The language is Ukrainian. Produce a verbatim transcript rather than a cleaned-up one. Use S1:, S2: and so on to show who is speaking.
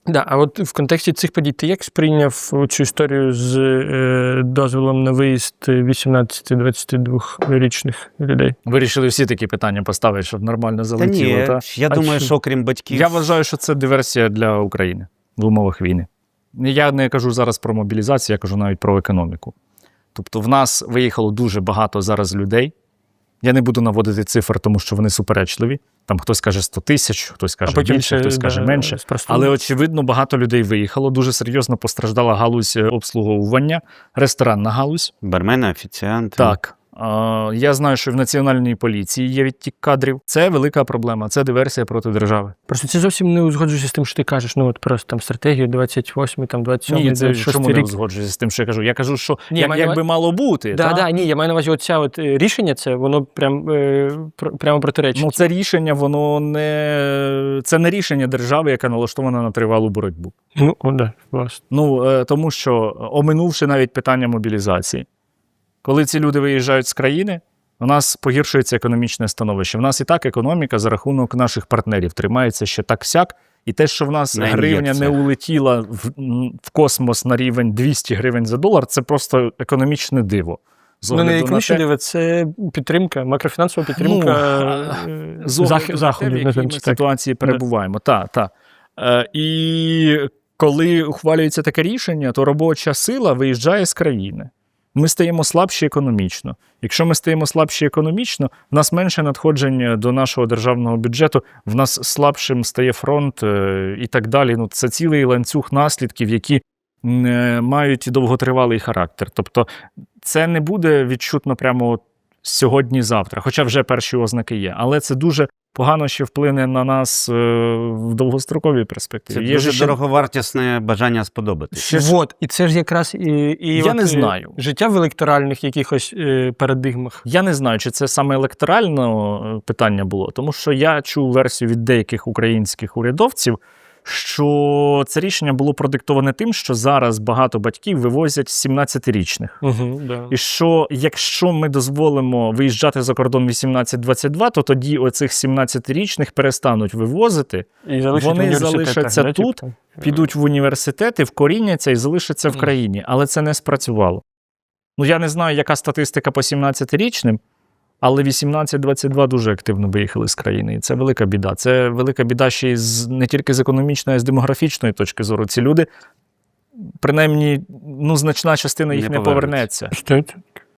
S1: Да, а от в контексті цих подій ти як сприйняв цю історію з е, дозволом на виїзд вісімнадцяти-двадцяти двохрічних людей?
S2: Вирішили всі такі питання поставити, щоб нормально
S3: Та
S2: залетіло.
S3: ні,
S2: Та?
S3: я
S1: А
S3: думаю,
S1: чи-
S3: що окрім батьків...
S2: Я вважаю, що це диверсія для України в умовах війни. Я не кажу зараз про мобілізацію, я кажу навіть про економіку. Тобто в нас виїхало дуже багато зараз людей. Я не буду наводити цифр, тому що вони суперечливі. Там хтось каже сто тисяч, хтось каже більше,
S1: ще,
S2: хтось каже
S1: да,
S2: менше.
S1: спростуємо.
S2: Але, очевидно, багато людей виїхало. Дуже серйозно постраждала галузь обслуговування, ресторанна галузь.
S3: Бармени, офіціанти.
S2: Так. А, я знаю, що в Національній поліції є відтік кадрів. Це велика проблема, це диверсія проти держави.
S1: Просто це зовсім не узгоджується з тим, що ти кажеш. Ну от просто там стратегію двадцять восьмий, там двадцять сьомий,
S2: Ні, це
S1: двадцять шостий
S2: чому не
S1: рік.
S2: узгоджується з тим, що я кажу? Я кажу, що
S1: Ні,
S2: як,
S1: маю
S2: як
S1: на-
S2: би мало бути.
S1: Да,
S2: та?
S1: да, ні, я маю на увазі, оця от е, рішення, це воно прям, е, пр- прямо протиречить.
S2: Ну, це рішення, воно не... Це не рішення держави, яка налаштована на тривалу боротьбу.
S1: Ну, о, да, власне.
S2: Ну, е, тому що, оминувши навіть питання мобілізації, коли ці люди виїжджають з країни, у нас погіршується економічне становище. В нас і так економіка за рахунок наших партнерів тримається ще так-сяк. І те, що в нас
S3: На
S2: гривня не
S3: ін'єкціях.
S2: улетіла в, м, в космос на рівень двісті гривень за долар, це просто економічне диво. З
S1: Ну, не
S2: огляду на
S1: економічне
S2: те-
S1: диво, це підтримка, макрофінансова підтримка
S2: Ну,
S1: е,
S2: з огляду
S1: зах-
S2: на те,
S1: заходів,
S2: в якій
S1: називаємо
S2: ми
S1: це так.
S2: ситуації перебуваємо. Так, так. Е, і коли ухвалюється таке рішення, то робоча сила виїжджає з країни. Ми стаємо слабші економічно. Якщо ми стаємо слабші економічно, в нас менше надходжень до нашого державного бюджету, в нас слабшим стає фронт е, і так далі. Ну, це цілий ланцюг наслідків, які м, е, мають довготривалий характер. Тобто це не буде відчутно прямо от сьогодні-завтра, хоча вже перші ознаки є. Але це дуже погано ще вплине на нас е, в довгостроковій перспективі.
S3: Це
S2: Є
S3: дуже
S2: же ще-
S3: дороговартісне бажання сподобатись.
S2: Ще ж-
S1: Вот, і це ж якраз і, і
S2: Я
S1: от,
S2: не
S1: е,
S2: знаю.
S1: життя в електоральних якихось е, парадигмах.
S2: Я не знаю, чи це саме електоральне е, питання було, тому що я чув версію від деяких українських урядовців, що це рішення було продиктоване тим, що зараз багато батьків вивозять сімнадцятирічних.
S1: Угу, да.
S2: І що якщо ми дозволимо виїжджати за кордон вісімнадцять двадцять два, то тоді оцих сімнадцятирічних перестануть вивозити,
S1: І залишать
S2: вони
S1: в університетах,
S2: залишаться
S1: да,
S2: тут,
S1: типу?
S2: підуть в університети, вкоріняться і залишаться в
S1: Мгм.
S2: країні. Але це не спрацювало. Ну, я не знаю, яка статистика по сімнадцятирічним, але вісімнадцять двадцять два дуже активно виїхали з країни. І це велика біда. Це велика біда ще й з, не тільки з економічної, а й з демографічної точки зору. Ці люди, принаймні, ну, значна частина їх
S3: Не
S2: не,
S3: повернуться.
S2: повернеться.
S1: Що це?